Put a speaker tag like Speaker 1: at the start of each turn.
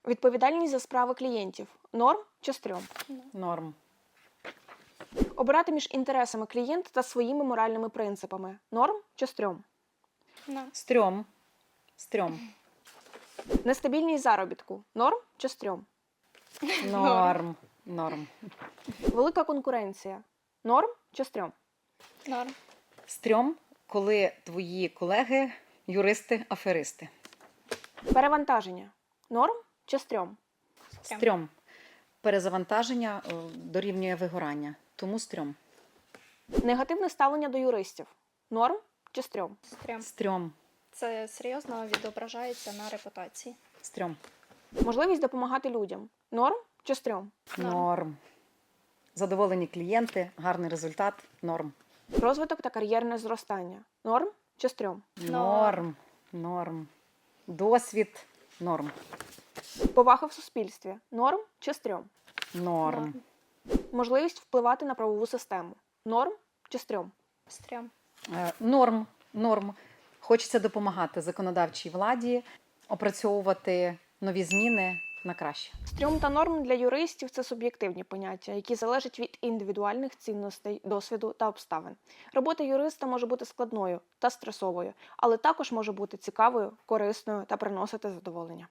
Speaker 1: Відповідальність за справи клієнтів. Норм чи стрьом?
Speaker 2: Норм.
Speaker 1: Обирати між інтересами клієнта та своїми моральними принципами. Норм чи стрьом?
Speaker 2: Стрьом. Стрьом.
Speaker 1: Нестабільність заробітку. Норм чи стрьом?
Speaker 2: Норм. Норм.
Speaker 1: Велика конкуренція. Норм чи стрьом?
Speaker 3: Норм.
Speaker 2: Стрьом, коли твої колеги юристи-аферисти.
Speaker 1: Перевантаження. Норм чи стрьом?
Speaker 2: Стрьом. Перезавантаження дорівнює вигорання. Тому стрьом.
Speaker 1: Негативне ставлення до юристів. Норм чи стрьом?
Speaker 3: Стрьом.
Speaker 2: Стрьом.
Speaker 3: Це серйозно відображається на репутації.
Speaker 2: Стрьом.
Speaker 1: Можливість допомагати людям. Норм чи стрьом?
Speaker 2: Норм. Задоволені клієнти, гарний результат. Норм.
Speaker 1: Розвиток та кар'єрне зростання. Норм чи стрьом?
Speaker 2: Норм. Норм. Досвід. Норм.
Speaker 1: Повага в суспільстві. Норм чи стрьом?
Speaker 2: Норм.
Speaker 1: Можливість впливати на правову систему. Норм чи стрьом?
Speaker 3: Стрьом.
Speaker 2: Норм. Норм. Хочеться допомагати законодавчій владі, опрацьовувати нові зміни на краще.
Speaker 1: Стрьом та норм для юристів – це суб'єктивні поняття, які залежать від індивідуальних цінностей, досвіду та обставин. Робота юриста може бути складною та стресовою, але також може бути цікавою, корисною та приносити задоволення.